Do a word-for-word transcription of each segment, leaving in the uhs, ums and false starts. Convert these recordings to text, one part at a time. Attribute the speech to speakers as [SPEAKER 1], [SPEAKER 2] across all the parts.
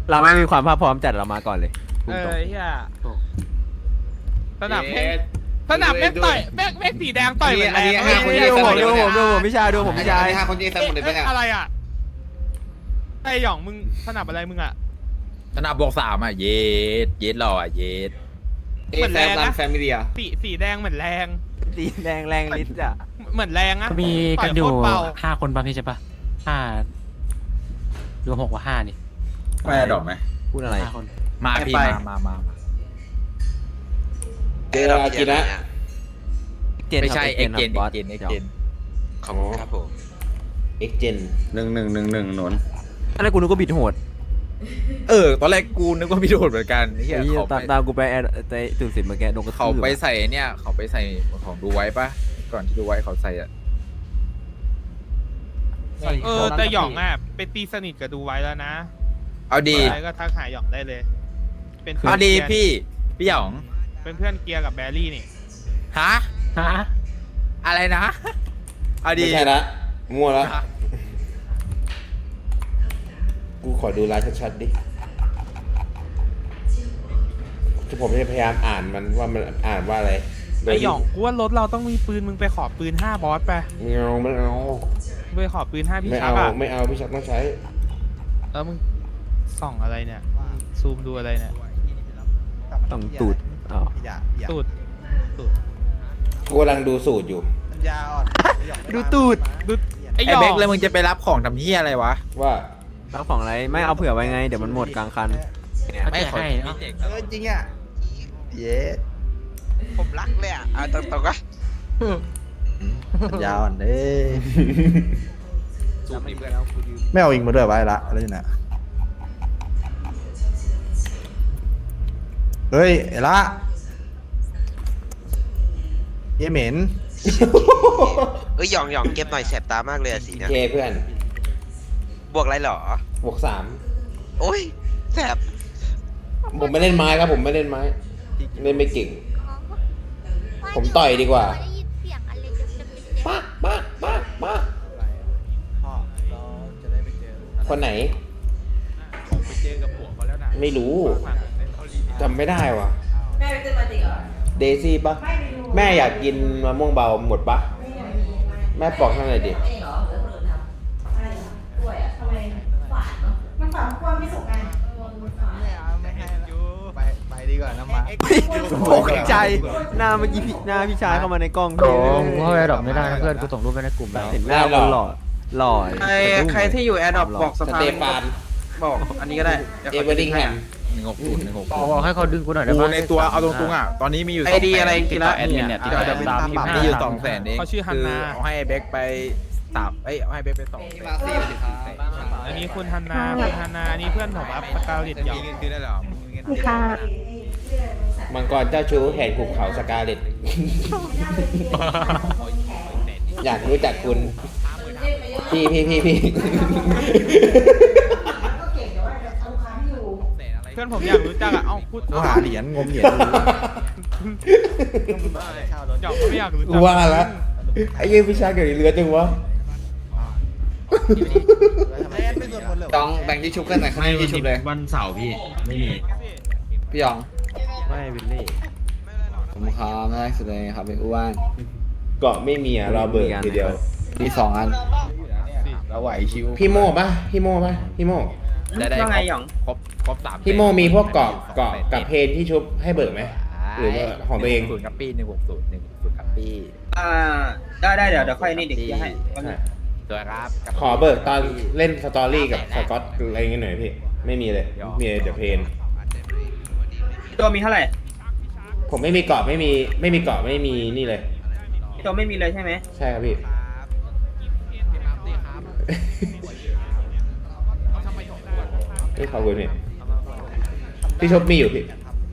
[SPEAKER 1] เราไม่มีความภาพพร้อมจัดเรามาก่อนเลย
[SPEAKER 2] เออเฮียสนับแม่งสนับแม่งต่อยแม่งแม่งสีแดงต่อยเหมือนแรง
[SPEAKER 1] ดูผมดูผมดูผมพี่ชายดูผมพี่ชาย
[SPEAKER 3] ห้าคนที่ใส่หมดเลยปะเนี่ย
[SPEAKER 2] อะไรอ่ะไอหย่องมึงสนับอะไรมึงอ่ะ
[SPEAKER 4] ชนะบวกสามอ่ะเยสเยสหล่ออ่ะเยส
[SPEAKER 3] เอแซมรันแฟมิเลีย
[SPEAKER 2] สีสีแดงเหมือนแรง
[SPEAKER 1] สีแรงแรงลิสอ่ะ
[SPEAKER 2] เหมือนแรงอะ
[SPEAKER 5] ก็มีกันอยู่
[SPEAKER 2] ต่โคตรเบา
[SPEAKER 5] ห้าคนป่ะพี่ใช่ป่ะห้าดูหกว่าห้านี่
[SPEAKER 4] ไม่ดอกไหม
[SPEAKER 1] พูดอะไร
[SPEAKER 5] ห้าคน
[SPEAKER 4] มาพี่มามามา
[SPEAKER 3] เจอรากินะ
[SPEAKER 4] ไม่ใช่เอ็กเจนเอ็กเจนเอ็กเจน
[SPEAKER 3] ขอบคุณครับผมเอ็กเจนหนึ่งหนึ่งหนึ่งหนึ่งหนุน
[SPEAKER 1] อะไรกูนึกว่าบิดโหด
[SPEAKER 4] เออตอนแรกกูนึกว่าพี่โดดเหมือนกันเฮีย
[SPEAKER 1] ไอ้เหี้ย
[SPEAKER 4] เขา
[SPEAKER 1] ตาม
[SPEAKER 4] ไป
[SPEAKER 1] ตามกูไปแอดใจตื่นสิบเมื่อกี้โดนกระทืบ
[SPEAKER 4] เขาไปใส่เนี่ยเขาไปใส่ของดูไว้ปะก่อนที่ดูไว้เขาใส่อ่ะ
[SPEAKER 2] เออแต่หย่องอ่ะไปตีสนิทกับดูไว้แล้วนะ
[SPEAKER 4] เอาดี
[SPEAKER 2] อะไรก็ทักหาหย่องได้เลย เป็นเพื่
[SPEAKER 4] เอา
[SPEAKER 2] อน
[SPEAKER 4] ดี
[SPEAKER 2] เกียร์
[SPEAKER 4] พี่พี่หยอง
[SPEAKER 2] เป็นเพื่อนเกียร์กับแบรี่นี่
[SPEAKER 4] ฮะ
[SPEAKER 5] ฮะ
[SPEAKER 4] อะไรนะเอาดี
[SPEAKER 3] ไม่ใช่ละมั่วแล้วกูขอดูลายชัดๆดิคือผมจะพยายามอ่านมันว่ามันอ่านว่าอะไร
[SPEAKER 2] ไอหย่องกูว่ารถเราต้องมีปืนมึงไปขอปืนห้าบอสไป
[SPEAKER 3] ไม่เอาไม่เอา
[SPEAKER 2] มึงไปขอปืนห้าพี่
[SPEAKER 3] ไม่
[SPEAKER 2] ชั
[SPEAKER 3] เอา
[SPEAKER 2] กอ่ะ
[SPEAKER 3] ไม่เอาพี่ชักต้องใช้
[SPEAKER 2] แล้วมึงส่องอะไรเนี่ยซูมดูอะไรเนี่ย
[SPEAKER 1] ต้องตูดอ๋อ
[SPEAKER 2] ตูดตูด
[SPEAKER 3] กูกำลังดูสูตรอยู่
[SPEAKER 1] ดูตูด
[SPEAKER 2] ดูไอ
[SPEAKER 4] ไอ้
[SPEAKER 2] หย่อง
[SPEAKER 4] เบคแล้วมึงจะไปรับของทำเฮียอะไรวะ
[SPEAKER 3] ว่า
[SPEAKER 1] รับของอะไรไม่เอาเผื่อไว้ไงเดี๋ยวมันหมดกลางคันเนี่ย
[SPEAKER 5] ไม่ให้
[SPEAKER 4] มี
[SPEAKER 5] เนาะ
[SPEAKER 4] เด็ก
[SPEAKER 6] เออจริงอ่ะเย้ผมรักเลยอ่ะเอาตรงๆก็ยาวอ่อนเด้
[SPEAKER 4] สูบนี่เพื่อน
[SPEAKER 6] ไม่เอาอิงมาด้วยไว้ละอะไรนี่นะเฮ้ยไอ้ละเยเหม็น
[SPEAKER 7] เอ้ยหยองหยองเก็บหน่อยแสบตามากเลยอะสี
[SPEAKER 3] โอ
[SPEAKER 7] เนี่ย
[SPEAKER 3] เคเพื่อน
[SPEAKER 7] บวกอะไรเหรอ
[SPEAKER 3] บวกสาม
[SPEAKER 7] โอ้ยแสบ
[SPEAKER 3] ผมไม่เล่นไม้ครับผมไม่เล่นไม้เล่นไม่เก่ง ผมต่อยดีกว่า
[SPEAKER 8] ได้ยินเสียงอะไรเจ็บเจ็บเจ็บเจ็บ
[SPEAKER 3] ปักปักปักปักคนไหน
[SPEAKER 2] ไปเจอกับผัวเขาแล้วนะ
[SPEAKER 3] ไม่รู้จำไม่ได้ว่ะแม่ไปเจอมาจริงเหรอเดซี่ปะแม่อยากกินมะม่วงเบาหมดปะแม่ปอกให้หน่อยดิ
[SPEAKER 6] ไปดีกว่าน้ำมัน
[SPEAKER 1] ตกใจหน้าเมื่อกี้พี่หน้าพี่ชายเข้ามาในกล้อง
[SPEAKER 5] โอ้กูเข้าแอร์ดรอปไม่ได้นะเพื่อนกูส่งรูปไปในกลุ่มแล้ว
[SPEAKER 1] เห็นหน้าคนหล่อหล่อ
[SPEAKER 9] ใครใครที่อยู่แอร์ดรอปบอกส
[SPEAKER 3] ส
[SPEAKER 9] ภา
[SPEAKER 3] เตฟาน
[SPEAKER 9] บอกอันนี้ก็ได้ดี๋ยว
[SPEAKER 3] เอ
[SPEAKER 9] ขา
[SPEAKER 3] เวอร์ดิงแฮม
[SPEAKER 4] หนึ่งหกศูนย์หนึ่งหก
[SPEAKER 5] บอกให้เขาดึงกูหน่อยได้
[SPEAKER 4] กู
[SPEAKER 5] ปะ
[SPEAKER 4] ในตัวเอาตรงๆอ่ะตอนนี้มีอยู่
[SPEAKER 9] ไอดีอะไรกีฬา
[SPEAKER 5] แอดมินเนี่ยติดต่อแอดมินตามที่
[SPEAKER 4] มีอยู่สองแสนเอง
[SPEAKER 2] เขาชื่อฮันนา
[SPEAKER 4] เอาให้เบคไปสามเอ้ยเอาให้เบคไปสองแสน
[SPEAKER 2] อันนี้คุณฮันนาคุณฮันนาอันนี้เพื่อนผมอัพสกาวลิตหยอง
[SPEAKER 4] คือได้หรอมึงเงิน
[SPEAKER 3] มังกรเจ้าชู้แห่งภูเขาสกาเลต อยากรู้จักคุณ พี่พี่พี่พี่
[SPEAKER 2] เพื่อนผมอยากรู้จักอ่ะเอ้าพูด
[SPEAKER 6] กูหาเหรียญงมเหรียญ
[SPEAKER 2] หยองก็ไม่อยากรู้จั
[SPEAKER 3] กูว่าแล้วไอ้เยี่ยพี่ชายเกิดเรือจังวะต้องแบ่งที่ชุบกันหน่อยข้างในที่ชุบเลย
[SPEAKER 5] วันเสาร์พี่ไม่มี
[SPEAKER 3] พี่ยอง
[SPEAKER 1] ไม่วิลลี่
[SPEAKER 3] ผมขอไม่ได้สุดเลยครับพี่อ้วนเกาะไม่มีอ่ะเราเบิกทีเดียวมีสองอัน
[SPEAKER 4] เราไหวชิว
[SPEAKER 3] พี่โม่ปะพี่โม่ปะพี่โม่
[SPEAKER 4] ได้ได้
[SPEAKER 9] ว่าไงหยอง
[SPEAKER 4] ครบครบสาม
[SPEAKER 3] พี่โม่มีพวกเกาะเกาะกับเพนที่ชุบให้เบิกไหม หรือว่าของตัวเอง
[SPEAKER 4] ศูนย์กับปี้หนึ่งหกศูนย์หนึ่งศูนย์กับปี้
[SPEAKER 9] อ่าได้ได้เดี๋ยวเดี๋ยวค่อยนี่เด็กจะให้
[SPEAKER 4] ตัวครับ
[SPEAKER 3] ขอเบิกตอนเล่นสตอรี่กับสกอตอะไรเงี้ยหน่อยพี่ไม่มีเลยมีแต่เพน
[SPEAKER 9] ตัวมีเท่าไหร่
[SPEAKER 3] ผมไม่มีเกาะไม่มีไม่มีเกาะไม่มีนี่เลย
[SPEAKER 9] ตัวไม่มีเลยใช่ไหม
[SPEAKER 3] ใช่ครับพี่ ไม่ขอบคุณพี่พี่ชบมีอยู่พี่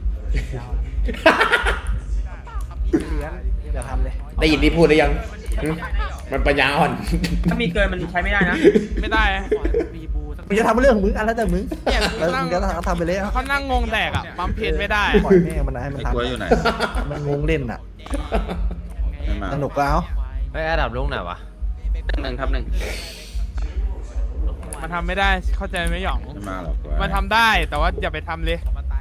[SPEAKER 6] อย่าทำเลย
[SPEAKER 3] ได้ยินที่พูดหรือยังหึมันปัญญาอ่อน
[SPEAKER 9] ถ้ามีเกินมันใช้ไม่ได้นะ
[SPEAKER 2] ไม่ได้อะ
[SPEAKER 6] มึงจะทำเรื่องของมึงอะไรแต่มึง
[SPEAKER 2] เนี่ยกู
[SPEAKER 6] แล้ว
[SPEAKER 2] นั่
[SPEAKER 6] มึ
[SPEAKER 2] ง
[SPEAKER 6] งก็ทำไปเลยอ่ะ
[SPEAKER 2] เขานั่งงงแดกอ่ะปั๊มเพนไม่ได้
[SPEAKER 6] ปล่อยแม่งมันให้มันทำมันงงเล่นอ่ะสนุกก็เอา
[SPEAKER 5] ไอแอร์ดรอปลงไหนวะ
[SPEAKER 9] หนึ่งครับหนึ่ง
[SPEAKER 2] มันทำไม่ได้เข้าใจไหมหยอง
[SPEAKER 4] ไม่มาหรอก
[SPEAKER 2] มันทำได้แต่ว่าอย่าไปทำเลย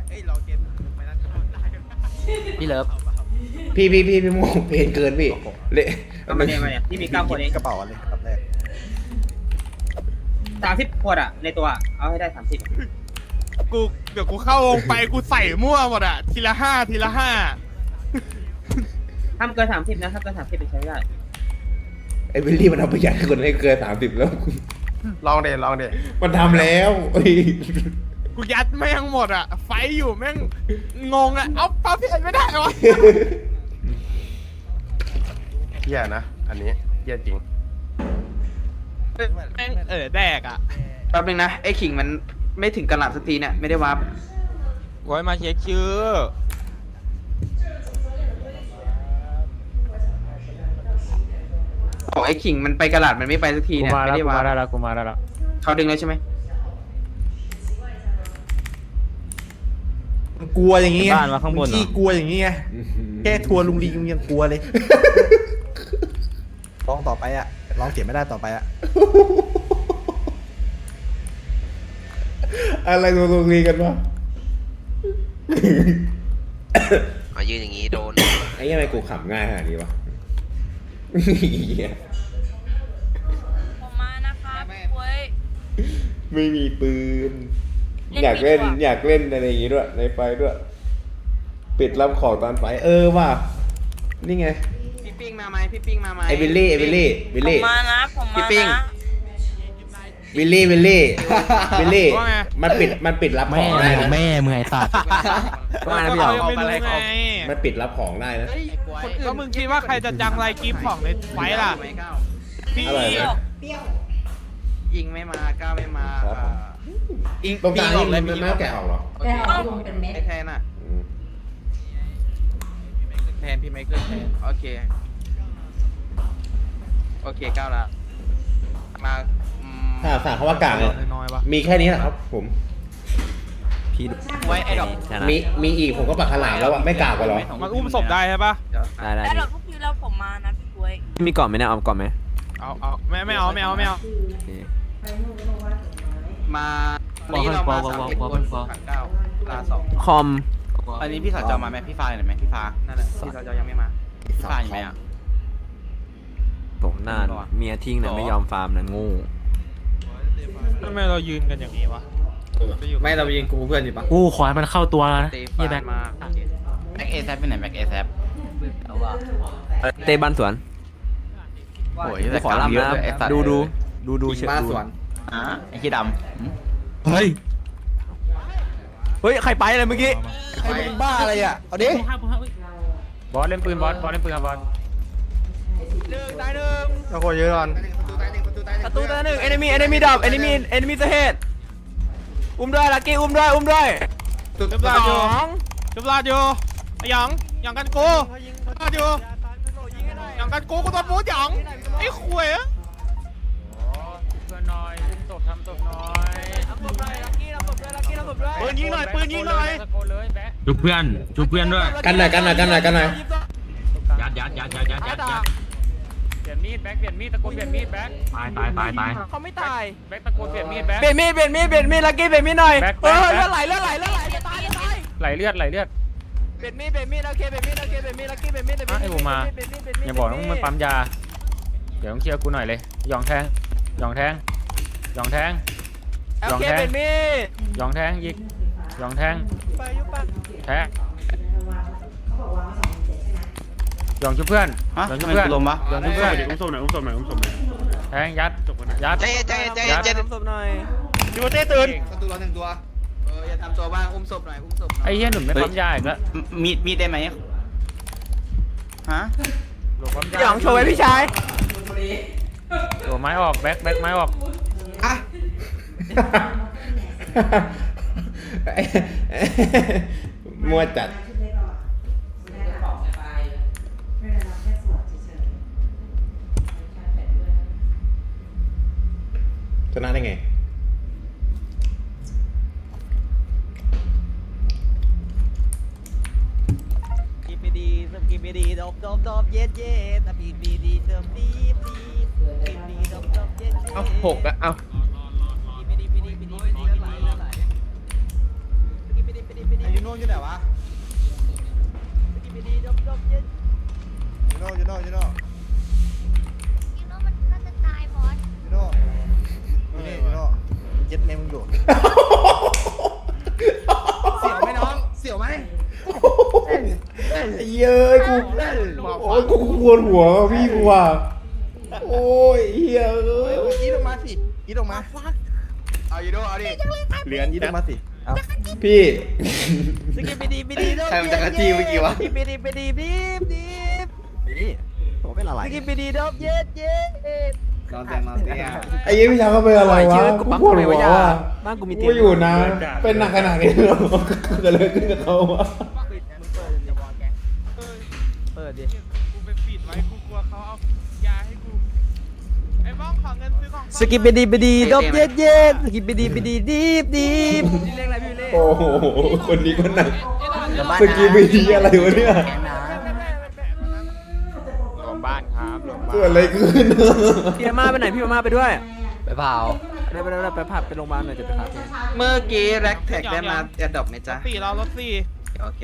[SPEAKER 5] พี่เลิฟ
[SPEAKER 3] พี่พี่พี่พี่โม่เพนเกินพี่เละ
[SPEAKER 9] เอามาเนี่ยมาเนี่ยที่มีเก้าคนเอง
[SPEAKER 1] กระเป๋าอะไรครับแรก
[SPEAKER 9] สามสิบขวดอ่ะในตัวอะเอาให้ได้สามสิบ
[SPEAKER 2] กูเดี๋ยวกูเข้าวงไปกูใส่มั่วหมดอะทีละห้าทีละห้า
[SPEAKER 9] ห้ามเกินสามสิบนะถ้าเกินสามสิบเป็นใช้ไม่ได้
[SPEAKER 3] ไอ้วิลลี่มันเอาประหยัดคนให้เกินสามสิบแล้ว
[SPEAKER 1] ลองเดลองเด
[SPEAKER 3] มันทำแล้วเอ้ย
[SPEAKER 2] กูยัดแม่งหมดอะไฟอยู่แม่งงงอะเอาปลาเพี้ยนไม่ได้วะ
[SPEAKER 1] เฮียนะ อันนี้เฮียจริง
[SPEAKER 2] แม่งเออแดกอะ
[SPEAKER 10] แป๊บนึงนะไอ้ขิงมันไม่ถึงกระหล่ำสักทีเนี่ยไม่ได้วาร์ป
[SPEAKER 5] ไว้มาเช็คชื่อ
[SPEAKER 10] ของไอ้ขิงมันไปกระหล่ำมันไม่ไปสักที
[SPEAKER 5] กู
[SPEAKER 10] เนี่ย
[SPEAKER 5] มา
[SPEAKER 10] ไม่
[SPEAKER 5] แล้ว
[SPEAKER 10] ได้
[SPEAKER 5] กู
[SPEAKER 10] วา
[SPEAKER 5] มา
[SPEAKER 10] ร์ป
[SPEAKER 5] ได้แล้วกูมาได้แล้ว
[SPEAKER 10] เขาดึงแล้วใช่ไหม
[SPEAKER 1] กลัวอย่างงี้ไง
[SPEAKER 5] บ้านมาข้างบนเหรอ
[SPEAKER 1] ขี้กลัวอย่างงี้ไงแค่ทัวร์ลุงลิงยังกลัวเลยร้องต่อไปอ่ะร้องเสียงไม่ได้ต่อไปอ่ะ
[SPEAKER 3] อะไรตัวตรงนี้กันวะ
[SPEAKER 7] เอายืนอย่างงี้โดน
[SPEAKER 3] ไอ้ยังไงกูขำง่ายขนาดนี้วะ
[SPEAKER 8] ผมมานะครับเว้ย
[SPEAKER 3] ไม่มีปืน
[SPEAKER 8] เล่น
[SPEAKER 3] อยากเล่น
[SPEAKER 8] ดีกว่า
[SPEAKER 3] อยากเล่นอะไรอย่างงี้ด้วยในไฟด้วย ปิดรับของตอนไฟเออว่ะนี่ไง
[SPEAKER 10] พี่ปิ้งมาไหมพี่ปิ้งมาไหม
[SPEAKER 3] ไอ้วิลลี่ไอ้วิลลี่วิล
[SPEAKER 8] ผม
[SPEAKER 3] ลี่
[SPEAKER 8] มานะผม
[SPEAKER 10] พี่
[SPEAKER 8] มา
[SPEAKER 10] ปิ้ง
[SPEAKER 8] นะ
[SPEAKER 3] วิลลี่วิลลี่วิลลี่
[SPEAKER 2] ว่าไง
[SPEAKER 3] มันปิดมันปิดรับข
[SPEAKER 5] แม่
[SPEAKER 3] องได้นะ
[SPEAKER 5] แม่มึงไอ้สัตว์
[SPEAKER 2] ว่าไงนะพี่หยองยังไม่รู้ไง
[SPEAKER 3] มันปิดรับของได้นะ
[SPEAKER 2] ก็มึงคิดว่าใครจะจังไรกิฟต์ของในไฟล่ะพี่
[SPEAKER 3] อร่อยไหม
[SPEAKER 10] อิงไม่มาก้าวไม่มา
[SPEAKER 3] ครับ
[SPEAKER 10] อ่าอิง
[SPEAKER 3] ตรงกลาง
[SPEAKER 10] ปิ้
[SPEAKER 3] นี่
[SPEAKER 10] ออกเล
[SPEAKER 3] มั
[SPEAKER 10] ย
[SPEAKER 3] น
[SPEAKER 10] ปิ้ง
[SPEAKER 3] ไม่แกะออกเหรอ
[SPEAKER 10] โอเคไอ้แทนอ่ะ
[SPEAKER 3] อืม
[SPEAKER 4] แทนพี่ไมเคิลแทน
[SPEAKER 10] โอเคโอเคก้าวละมาอืม
[SPEAKER 3] ถ้าสั่งคำว่ากลางเนี่ย
[SPEAKER 2] น้อยๆวะ
[SPEAKER 3] มีแค่นี้แหละครับผม
[SPEAKER 5] พี่
[SPEAKER 10] ไว้ไอ้ดอก
[SPEAKER 3] มีมีอีกผมก็ปักขลามแล้วอะไม่กลางกว่าเหรอ
[SPEAKER 2] มันอุ้มศพได้ใช่ปะ
[SPEAKER 10] เดี๋ยว
[SPEAKER 5] ได้ได้
[SPEAKER 8] แล้วเดี๋ยวพวกพี่แล้วผมมานะพี่บวย
[SPEAKER 5] มีก่อนไหมเนี่ยเอาก่อนไหม
[SPEAKER 2] เอาเอาไม่ไม่เอาไม่เอาไม่เอา
[SPEAKER 10] มาวันนี้เรามาสามสิบคนผ่านเก้าลาสอง
[SPEAKER 5] คอม
[SPEAKER 10] อันนี้พี่สาวจอมาไหมพี่ฟ้าเห็นไหมพี่ฟ้านั่นแหละพี่สาวจอยังไม่มาพี่ฟ้าอยู่ไหมอ่ะ
[SPEAKER 5] ตกหน้าเมียทิ้งนะไม่ยอมฟาร์มนะงู
[SPEAKER 2] ทำไมเรายืนกันอย่างนี้วะ
[SPEAKER 10] ไม่เรายิงกูเพื่อนดิปะ
[SPEAKER 5] กูขอให้มันเข้าตัวนะ
[SPEAKER 10] เต
[SPEAKER 5] เฮีย
[SPEAKER 10] ฟ้า
[SPEAKER 5] แบ็ค
[SPEAKER 10] มาแบ็กเอแซปเป็นไหนแบ็กเอแซป
[SPEAKER 5] เตะบ้านสวน
[SPEAKER 10] โอ้ย
[SPEAKER 5] กูขอรับนะดูดูดูดูเช็คดู
[SPEAKER 10] อ่ะไอ้ขี้ด
[SPEAKER 5] เฮ้ยเฮ้ยใครไปอะไรเมื่อกี้
[SPEAKER 1] ไอ้มึงบ้าอะไรอ่ะ เอาดิ
[SPEAKER 5] บอสเล่นปืนบอสบอสเล่นปืนครับบอส
[SPEAKER 2] หนึ่งตายหนึ่ง
[SPEAKER 1] เอาคนเยอะก่อน
[SPEAKER 5] ประตูตัวหนึ่ง enemy enemy ดับ enemy enemy สเฮดอุ้มด้วยลักกี้อุ้มด้วยอุ้มด้วย
[SPEAKER 2] จุบลาดอยู่จุบลาดอยู่ไอ้หยองหยองกันกูลาดอยู่หยองกันกูกูโดนมูดหยองไอ้ขวยอะ
[SPEAKER 5] เพื่อนหน่อยตบทำตบหน่อยทำตบหน่อยลักกี้ทำตบด้วยลักกี้ทำตบด้วย
[SPEAKER 2] ปืนยิงหน่อยปืนยิงหน่อย
[SPEAKER 5] ตะโกนเลยแบ๊ะ
[SPEAKER 11] จุบเพื่อนจุบเพื่อนด้วย
[SPEAKER 3] กันหน่อยกันหน่อยกันหน่อยกันหน่อย
[SPEAKER 11] ยัดยัดยัดยัดยัดยัดยัด
[SPEAKER 5] เปลี่ยนมีดแบ็คเปลี่ยนมีดตะโกนเปลี่ยนมีดแบ็ค
[SPEAKER 11] ตายตายตายตาย
[SPEAKER 5] เขาไม่ตายแบ็คตะโกนเปลี่ยนมีดแบ็คเปลี่ยนมีดเปลี่ยนมีดเปลี่ยนมีดลักกี้เปลี่ยนมีดหน่อยเออเลือดไหลเลือดไหลเลือดไหลจะตายจะตายไหลเลือดไหลเลือดเปลี่ยนมีดเปลี่ยนมีดโอเคเปลี่ยนมีดโอเคเปลี่ยนมีดลักกี้เปลี่ยนมีดเปลี่ยนมีดไอ้ผมมาอย่าบอกนะมึงมันปั๊มยาเดี๋ยวต้องเคลียร์กูหน่อยเลยยองแทงยองแทงยองแทงยองแทงยองแทงยิกยองแทงแทงยองช่วยเพื่อน
[SPEAKER 10] ฮะ
[SPEAKER 5] ยอง
[SPEAKER 10] ทำ
[SPEAKER 5] ช่
[SPEAKER 10] ไม
[SPEAKER 5] วยเพื่อน
[SPEAKER 10] กูลมวะ
[SPEAKER 5] ยองช่วยเพื่อน
[SPEAKER 11] อุ้มศพหน่อยอุ้มศพหน่อยอุ้มศพหน่อย
[SPEAKER 5] แทงยัดยัด
[SPEAKER 7] ใจเย็นใจเย็นใจเย็
[SPEAKER 5] ยั
[SPEAKER 7] น
[SPEAKER 5] ด
[SPEAKER 7] ใจเย็น
[SPEAKER 5] ศพหน่อย
[SPEAKER 2] ดิวเต้ตื่น
[SPEAKER 10] ประตูเราหนึ่งตัวเอออย่าทำตัวบ้างอุ้มศพหน่อยอุ้มศพหน่อย
[SPEAKER 5] ไอ้เหี้ยหนุ่มไม่ปั๊มยาอีกแล้ว
[SPEAKER 10] มีดมีดได้ไหมฮะ
[SPEAKER 5] หยองโชว์ไว้พี่ชายโชว์ไม้ออกแบ็คแบ็คไม้ออก
[SPEAKER 10] อ่ะ
[SPEAKER 3] มั่วจัดชนะได้ไง
[SPEAKER 5] กินไม่ดีเติมกินไม่ดีดบดบดบเย็ดเย็ดแต่ปีดีดีเติมดีดีกินดีดบดบเย็ดเย็ด
[SPEAKER 1] เอาหกอะเอา
[SPEAKER 6] โน่อยู่ไหนวะยูโน่ยูโน่ยูโน่
[SPEAKER 8] คิดว่ามันน่าจะตายบอส
[SPEAKER 6] ยูโน่ยูนี่ยูโน่เจ็ดเมมอยู่เสียวไหมน้องเสียวไหม
[SPEAKER 3] เย้ยกูโอ้ยกูปวดหัวว่ะพี่กูว่ะโอ้ยเฮียเอ้ย
[SPEAKER 6] อีดออกมาสิอีดออกมาเอายูโน่เอาดิเหรียญอีดออกมาสิเอา
[SPEAKER 3] พี่
[SPEAKER 1] สกิปไปดีไปดี
[SPEAKER 10] ใครมันจะกระจีเมื่อกี้วะ
[SPEAKER 1] สกิปไปดีไปดีบีบบีบนี่ผมเป็นอะไรสกิปไปดีดอบเย็ดเย็ด
[SPEAKER 10] นอนเตียงนอนเตียง
[SPEAKER 3] ไอ้เหี้ยพี่ชายเขาเป็นอะไรวะ
[SPEAKER 1] กู
[SPEAKER 3] กู
[SPEAKER 1] ปั๊ม
[SPEAKER 3] ปวด
[SPEAKER 1] ทำไม
[SPEAKER 3] หัว
[SPEAKER 1] วะยา
[SPEAKER 3] ว่ะ
[SPEAKER 1] บ้านกูมี
[SPEAKER 3] กู
[SPEAKER 1] เตียง
[SPEAKER 3] อยู่นะ เป็นหนักขนาดนี้เหรอเกิดอะไรขึ้นกับเขาวะ
[SPEAKER 1] เปิดดิ
[SPEAKER 2] กูไปปิดไว้กูกลัวเขาเอายาให้กูไอ้บ้องขอเงินซื้อของ
[SPEAKER 1] สกิปไปดีไปดีดอบเย็ดเย็ดสกิปไปดีไปดีดีบดีบ
[SPEAKER 3] โอ้โหคนนี้ก็หนักสกีบีดีอะไรวะเนี่ย
[SPEAKER 5] รวมบ้านครับรวมบ้าน
[SPEAKER 3] เกิดอะไรขึ้น
[SPEAKER 1] พี่อาม่าไปไหนพี่อาม่าไปด้วย
[SPEAKER 10] ไปเผา
[SPEAKER 1] ไปไปไปไปผับไปโรงพยาบาลหน่อยจะไปพัก
[SPEAKER 10] เมื่อกี้แร็กแท็กได้มาแอดดอปไหมจ๊ะ
[SPEAKER 2] สี่เรารถสี่
[SPEAKER 10] โอเค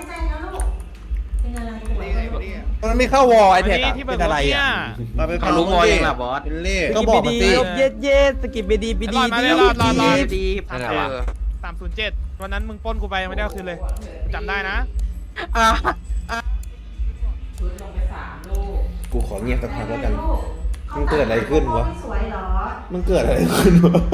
[SPEAKER 6] มันไม่เข้าวอลไอแพด
[SPEAKER 2] นี่
[SPEAKER 6] อะ
[SPEAKER 2] ที่เปิ
[SPEAKER 6] เป็
[SPEAKER 2] ด
[SPEAKER 6] นอะไร
[SPEAKER 2] เนี่ย
[SPEAKER 6] อ่ะ
[SPEAKER 10] เขารู้วอลยังล่ะบอส
[SPEAKER 6] เป็นเล่
[SPEAKER 1] ส
[SPEAKER 6] ก็
[SPEAKER 1] กิป
[SPEAKER 6] บ
[SPEAKER 1] ไป
[SPEAKER 6] อกมา
[SPEAKER 1] ดี
[SPEAKER 6] สิ
[SPEAKER 1] ดอบเย็ดเย็ดสกิปไปดีไปดี
[SPEAKER 2] รอดมา
[SPEAKER 1] ดี
[SPEAKER 2] เลยรอดรอดรอด
[SPEAKER 1] ดี
[SPEAKER 10] อะไรวะ
[SPEAKER 2] สามศูนย์เจ็ดวันนั้นมึงปล้นกูไปยังไม่ได้เอาคืนเลยจำได้นะ
[SPEAKER 10] อ่ะ
[SPEAKER 3] กูขอเงียบสักพักแล้วกัน มันเกิดอะไรขึ้นวะมันเกิดอะไรขึ้นวะ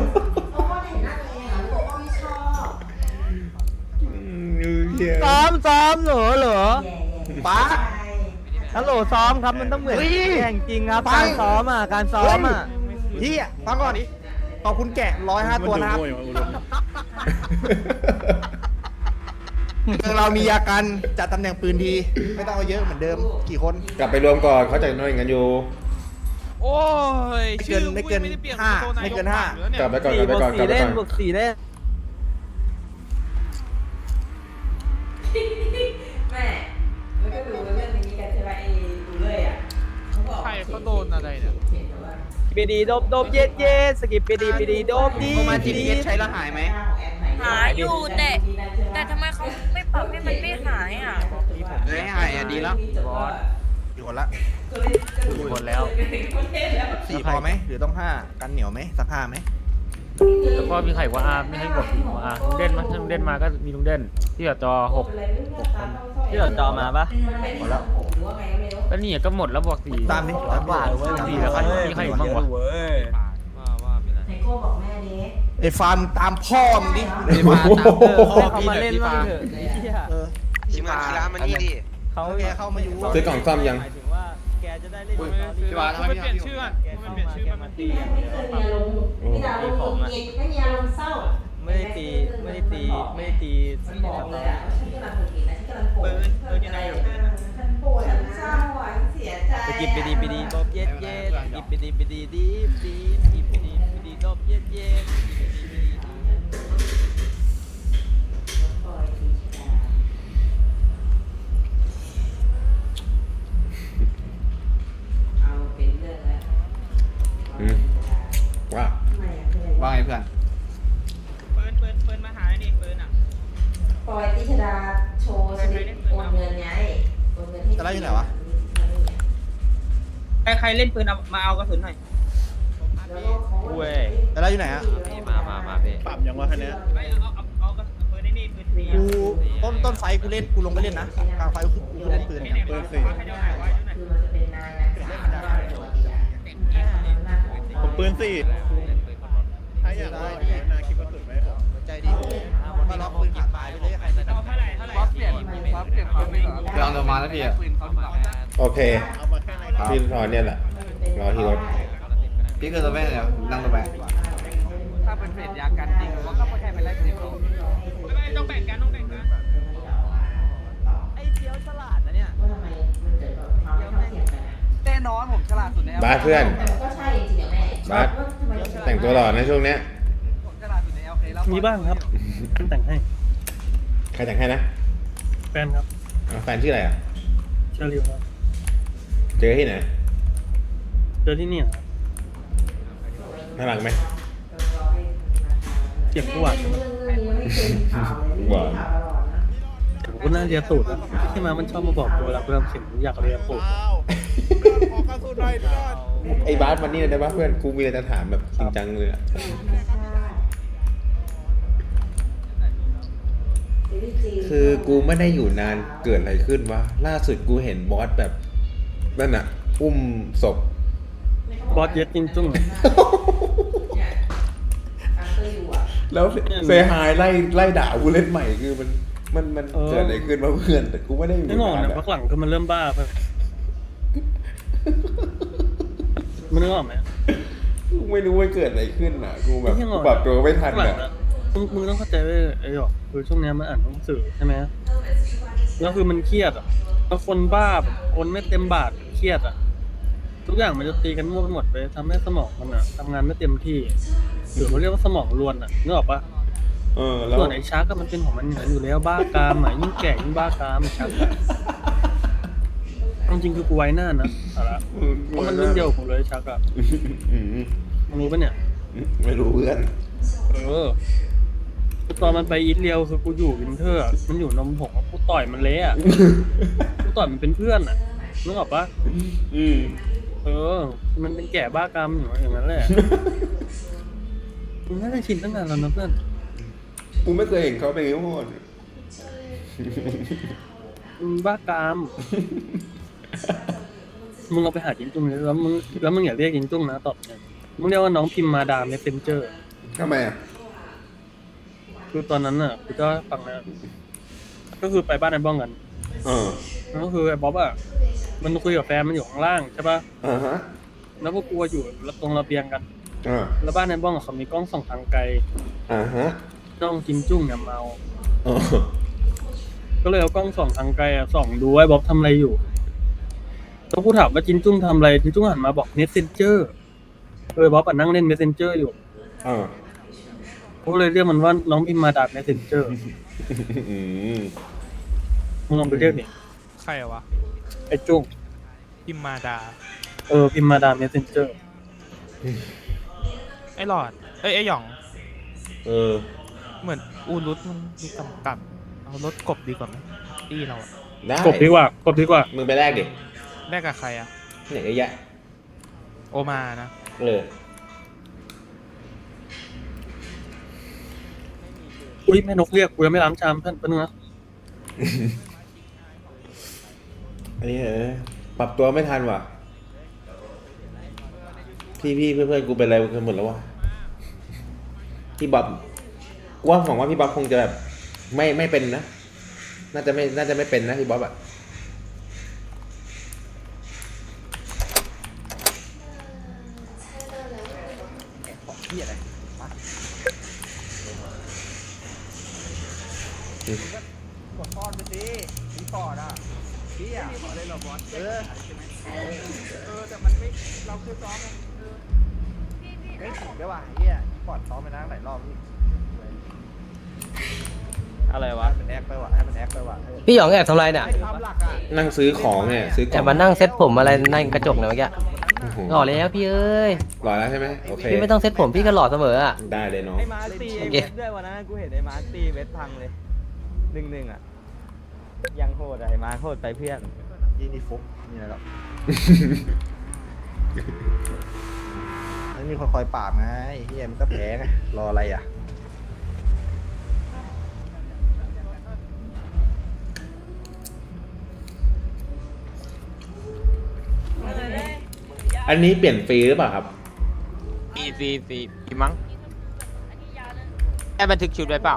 [SPEAKER 3] อืมเหี้ย
[SPEAKER 1] ซ้อมซ้อมเหรอเหรอป้าฮัลโหลซ้อมครับมันต้องเหมือนแข่งจริงครับการซ้อมอ่ะการซ้อมอ่ะ
[SPEAKER 6] พี่อ่ะฟังก่อนดิขอบคุณแกะร้อยห้าตัวนะครับเมืองเรามียากันจัดตำแหน่งปืนทีไม่ต้องเอาเยอะเหมือนเดิมกี่คน
[SPEAKER 3] กลับไปรวมก่อนเขาจะน้อยกันอยู่
[SPEAKER 2] โอ้ย
[SPEAKER 6] ไม่เกินไม่เกินห้าไม่เกินห้า
[SPEAKER 3] กลับไปก่อนก
[SPEAKER 1] สี่
[SPEAKER 3] ลับบ ไป
[SPEAKER 1] วก
[SPEAKER 3] ก่อนกลั
[SPEAKER 1] สี่
[SPEAKER 3] บไป
[SPEAKER 1] เล่
[SPEAKER 3] ก่
[SPEAKER 1] น
[SPEAKER 3] อน
[SPEAKER 1] บวกสี่เล่น
[SPEAKER 8] แม่แล้วก็ดูเรื่องนี้กันใช่ไหมไอ้ดูเลยอ่ะเขาบอก
[SPEAKER 2] ใครเขาโดนอะไรเนี่ย
[SPEAKER 1] ไปดีดบดบเย็ดเย็ดสกิปไปดีไปดีดบดี
[SPEAKER 10] โมมาจีพีเอสใช้แล้วหายไหม
[SPEAKER 8] หายอยู่แต่แต่ทำไมเขาไม่ปรับให้มันไม่หายอ่ะ
[SPEAKER 10] เฮ้ยหายอ่ะดีแล้ว
[SPEAKER 6] กี่คนละ
[SPEAKER 1] สี่คนแล้ว
[SPEAKER 6] สี่พอไหมหรือต้องห้ากันเหนียวไหมสักห้าไหม
[SPEAKER 5] แล้วก็มีใครว่าอาไม่ให้บอกอีกว่าอาลุงเด่นมาถ้าลุงเด่นมาก็มีลุงเด่นที่จอหกหกคน
[SPEAKER 1] ที่เราจอมาปะ
[SPEAKER 6] หมดแล้ว
[SPEAKER 5] แล้วนี่ก็หมดแล้วบอกสี่
[SPEAKER 6] ตามดิ
[SPEAKER 1] ว่าเว้ย
[SPEAKER 5] สี่แล้วใครมีใครอีกบ้างวะ
[SPEAKER 6] ไอ้ฟาร์มตามพ่อมึงดิ
[SPEAKER 3] โอ้โห
[SPEAKER 1] ให้เขามาเล่นบ้างเถอะ
[SPEAKER 6] เออ
[SPEAKER 7] ทีมงานคีรามันนี่ดิ
[SPEAKER 1] เขา
[SPEAKER 6] แกเข้ามาอยู่
[SPEAKER 3] ซื้อกล่องซ่อมยัง
[SPEAKER 1] หมายถึงว่าแกจะได้เล่น
[SPEAKER 2] พี่วานทำไมเปลี่ยนชื่อก่อนทำไมเปลี่ยนชื่อก่อนมันตี
[SPEAKER 1] ตีผมอ่ะไม่มีอารมณ์เศร้าไม่ได้ตีไม่ได้ตีไม่ได้ตีสปอร์ตเลยอ่ะ
[SPEAKER 9] ปืนปืนยังไงอยู่
[SPEAKER 1] สกิปไปดีไปดีดบเย็ดเย็ดสกิปไปดีไปดีดีดีสกิปไปดีไปดีดบเย็ดเย็ด
[SPEAKER 3] อืมว่า
[SPEAKER 10] ว่าไงเพื่อน
[SPEAKER 9] ปืนปืนปืนมาหาดิปืนอ่ะ
[SPEAKER 8] ปอยติชดาโชว์สลิปโอนเงินไงโอนเงินให้
[SPEAKER 6] จะไล่อยู่ไหนวะ
[SPEAKER 9] ใครใครเล่นปืนเอามาเอากระสุนหน่อย
[SPEAKER 1] เว้ย
[SPEAKER 6] จะไล่อยู่ไหนอะ
[SPEAKER 5] มามามาพี่
[SPEAKER 6] ปรับยังวะคันนี้
[SPEAKER 9] ไม่เอาเอาเอากระสุนปืนได้นี่ปืนตี
[SPEAKER 6] กูต้นต้นไฟกูเล่นกูลงไปเล่นนะกลางไฟกูกูเล่นปืนปืนสี่
[SPEAKER 8] คือมันจะเป็นนายนะ
[SPEAKER 6] ผมปืนสี่ถ้าอยากได้นาคิดว่าสุดไหมผมใจดีมาล็อกปืนขาดตายไปเลยใครจะ
[SPEAKER 9] เอาเท่าไหร่เท่าไหร่
[SPEAKER 10] เปลี่ยนเปลี่ยนความเดี๋ยวเอามาแล้วพี่อ่ะ
[SPEAKER 3] โอเค
[SPEAKER 6] เอามาแค่ไหน
[SPEAKER 3] พี่รอเนี่ยแหละรอที่รถ
[SPEAKER 10] พี่คือตัวแม่เนี่ยนั่งตัวแม่
[SPEAKER 9] ถ้าเป็นเศษยากันจริงว่าก็ไม่ใช่เป็นไรจริงไม่ไม่ต้องแบ่งกันต้องแบ่งกัน
[SPEAKER 1] ไอ้เจียวฉลาดนะเนี่ย
[SPEAKER 8] ว่าทำไมมันเกิดแบบความไม่เท่าเทียมกันอะ
[SPEAKER 10] แน่นอนผมฉลาดสุดใน
[SPEAKER 3] บาสเพื่อน
[SPEAKER 8] แต่มันก็ใช่จริงๆอะแม่
[SPEAKER 3] บาส
[SPEAKER 8] ว่าทำไม
[SPEAKER 3] แต่งตัวหล่อนะช่วงเนี้ย
[SPEAKER 10] ผมฉลาดสุดในเอลเคแล้ว
[SPEAKER 11] มีบ้างครับแต่งให้
[SPEAKER 3] ใครแต่งให้นะ
[SPEAKER 11] แฟนครับ
[SPEAKER 3] อ่ะแฟนชื่ออะไรอ่ะ
[SPEAKER 11] เชอริวครับ
[SPEAKER 3] เจอที่ไหน
[SPEAKER 11] เจอที่นี่ครับ
[SPEAKER 3] น่ารักไหม
[SPEAKER 11] เจ็บปวด
[SPEAKER 8] เรื่องนี้ไม่เคยมีข่าวเลยไม่เคยมีข่าวตลอด
[SPEAKER 11] กูน่าเรียนสูตรแล้วที่มามันชอบมาบอกกูเวลากูทำเสียงกูอยากเรียนสูตร
[SPEAKER 3] ไอ้บาสมันนี่เลยนะเพื่อนกูมีอะไรจะถามแบบจริงจังเลยอะคือกูไม่ได้อยู่นานเกิดอะไรขึ้นวะล่าสุดกูเห็นบอสแบบนั่นอะอุ้มศพ
[SPEAKER 11] บอสเย็ดจริงจุ้ง
[SPEAKER 3] แล้วเซฮายไล่ไล่ด่ากูเล่นใหม่คือมันมันมันเกิดอะไรขึ้นวะเพื่อนแต่กูไม่ได้อยู่
[SPEAKER 11] ไม่งอก
[SPEAKER 3] นาน
[SPEAKER 11] เนี่ย
[SPEAKER 3] อะ
[SPEAKER 11] พักหลังคือมันเริ่มบ้าไปมันนึกออกไหม
[SPEAKER 3] กูไม่รู้ว่าเกิดอะไรขึ้นอ่ะกูแบบ
[SPEAKER 11] ไม่งอก
[SPEAKER 3] ปรับตัวไม่ทัน
[SPEAKER 11] พักหลั
[SPEAKER 3] อ่ะ
[SPEAKER 11] งอะมึงมึงต้องเข้าใจว่าไอ้หรอกคือช่วงเนี้ยมันอ่านหนังสือใช่ไหมแล้วคือมันเครียดอ่ะแล้วคนบ้าแบบคนไม่เต็มบาทเครียดอ่ะทุกอย่างมันจะตีกันมั่วไปหมดไปทำให้สมองมันอ่ะทำงานไม่เต็มที่หรือเขาเรียกว่าสมองรวนอ่ะนึกออกปะ
[SPEAKER 3] เออแล้ว
[SPEAKER 11] ส่วนไอ้ชักก็มันเป็นของมันอย่างนั้นอยู่แล้วบ้ากามอ่ะยิ่งแก่ยิ่งบ้ากามไอ้ชักอะจริงๆคือกูไว้หน้านะสาระเพราะมันรุ่นเดียวกับกูเลยไอ้ชักอ่ะ
[SPEAKER 3] อืม
[SPEAKER 11] มึงรู้ปะเนี่ย
[SPEAKER 3] ไม่รู้เพื่อน
[SPEAKER 11] เออคือตอนมันไปอีทเรียวคือกูอยู่วินเทอร์อะมันอยู่นมผงอะกูต่อยมันเละอ่ะกูต่อยมันเป็นเพื่อนอ่ะนึกออกปะ
[SPEAKER 3] อืม
[SPEAKER 11] เออมันเป็นแก่บ้ากามอยู่อย่างนั้นแหละมึงน่าจะชินตั้งนานแล้วนะเพื่อน
[SPEAKER 3] กูไม่เคยเห็นเขาเป็นอย่างนี้มาก่อน
[SPEAKER 11] มึงบ้ากาม มึงเอาไปหาจินจุ้งเลยแล้วมึงแล้วมึงอย่าเรียกจินจุ้งนะตอบเนี่ยมึงเรียกว่าน้องพิมมาดาเมสเซนเจอร์
[SPEAKER 3] ทำไมอ่ะ
[SPEAKER 11] คือตอนนั้นน่ะกูก็ฟังนะก็คือไปบ้านไอ้บ้องกัน
[SPEAKER 3] เออ
[SPEAKER 11] แล้วก็คือไอ้บ๊อบอ่ะมันคุยกับแฟนมันอยู่ข้างล่างใช่ปะ
[SPEAKER 3] อ่าฮะ
[SPEAKER 11] แล้วพวกกูอยู่ตรงระเบียงกัน
[SPEAKER 3] อ่า
[SPEAKER 11] แล้วบ้านไอ้บ้องอะเขามีกล้องส่องทางไกล
[SPEAKER 3] อ่าฮะ
[SPEAKER 11] น้องจินจุ้งเนี่ยเมา
[SPEAKER 3] เออ
[SPEAKER 11] ก็เลยเอากล้องส่องทางไกลอ่ะส่องดูไอ้บ๊อบทำอะไรอยู่แล้วกูถามว่าจินจุ้งทำอะไรจินจุ้งหันมาบอกเมสเซนเจอร์เออบ๊อบอ่ะนั่งเล่นเมสเซนเจอร์อยู่
[SPEAKER 3] เออ
[SPEAKER 11] กูเลยเรียกมันว่าน้องพิมมาดาเมสเซนเจอร์
[SPEAKER 3] อืม
[SPEAKER 11] มึงลองไปเรียกดิ
[SPEAKER 2] ใครวะ
[SPEAKER 11] ไอ้จุ้ง
[SPEAKER 2] พิมมาดา
[SPEAKER 11] เออพิมมาดาเมสเซนเจอร์
[SPEAKER 2] ไอ้หลอดเอ้ยไอ้หยอง
[SPEAKER 3] เออ
[SPEAKER 2] เหมือนอูรุตมันดูกำกับเอารถกบดีกว่าไหมตีเราอะ
[SPEAKER 3] ได้
[SPEAKER 11] กบดีกว่ากบดีกว่า
[SPEAKER 3] มึงไปแรกดิ
[SPEAKER 2] แลกกับใครอะ
[SPEAKER 3] ไหนก็แยะ
[SPEAKER 2] โอมานะ
[SPEAKER 3] เออ
[SPEAKER 11] อุ้ยแม่นกเรียกกูยังไม่ล้างชามเพื่อนเป็นงนะ
[SPEAKER 3] อันนี้เออปรับตัวไม่ทันว่ะ พี่พี่เพื่อนเพื่อนๆกูเป็นอะไรกันหมดแล้ววะพี่บ๊อบกูว่าหวังว่าพี่บ๊อบคงจะแบบไม่ไม่เป็นนะ น่าจะไม่น่าจะไม่เป็นนะพี่บ๊อบอะอะไรวะ
[SPEAKER 1] พี่หยองแอบทำไรเนี่ย
[SPEAKER 3] นั่งซื้อของเนี่ยซื้อข
[SPEAKER 1] แอ
[SPEAKER 3] อง
[SPEAKER 1] บมานั่งเซ็ตผมอะไรในกระจกเนี่ยเมื่อกี้
[SPEAKER 3] โอ้โห
[SPEAKER 1] หล่อแล้วพี่เอ้ย
[SPEAKER 3] หล่อแล้วใช่ไหมโอเค
[SPEAKER 1] พี่ไม่ต้องเซ็ตผมพี่ก็หล่อเสมออ่ะ
[SPEAKER 3] ได้เลยน้อง
[SPEAKER 9] ไอ้มาตีไอ้เวทด้วยวันนั้นกูเห็นไอ้มาตีเวทพังเลยหนึ่งหนึ่งอ่ะยังโหดอะไอ้มาโหดไปเพื่อนยี่นี่ฟุกนี่อะไรหรอกไม่มีคนคอยปราบไงเฮียมันก็แพ้ไงรออะไรอ่ะ
[SPEAKER 3] อันนี้เปลี่ยนฟรีหรือเปล่าครับ
[SPEAKER 7] ฟรีฟรีฟรีฟรีมั้งแอบบันทึกชุดไว้เปล่า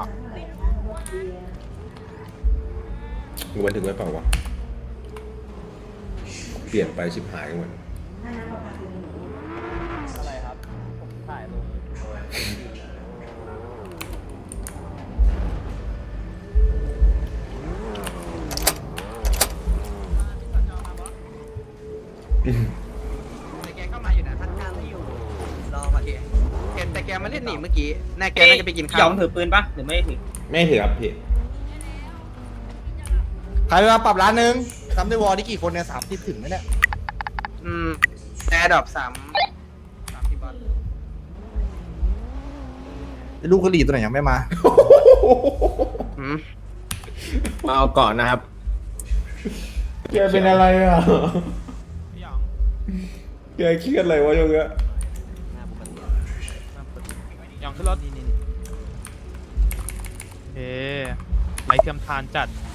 [SPEAKER 3] มึงบันทึกไว้เปล่าวะ เปลี่ยนไปชิบหายกันหมด
[SPEAKER 9] อะไรครับผมถ่ายลง
[SPEAKER 10] แต่แกเข้ามาอยู่นะทัดการไม่อยู่รอมาแกแกแต่แกมาเล่นหนีเมื่อกี้แน่แกน่าจะไปกินข้าวย
[SPEAKER 9] องถือปืนปะหรือไม่ถือ
[SPEAKER 3] ไม่ถือครับพี่
[SPEAKER 6] ใครมาปรับร้านหนึ่งทำได้วอลนี่กี่คนเนี่ยสามสิบถึงไหมเนี่ย
[SPEAKER 10] อืมแอร์ดรอปสามสามที่บอล
[SPEAKER 6] ลูกกะหรี่ตัวไหนยังไม่มา
[SPEAKER 10] อืม
[SPEAKER 4] มาเอาก่อนนะครับ
[SPEAKER 3] แกเป็นอะไรอ่ะ
[SPEAKER 2] หยอง
[SPEAKER 3] แกเครียดอะไรวะโยเกะ
[SPEAKER 2] หยองขึ้นรถเอ๊ะไหลเทียมทานจัด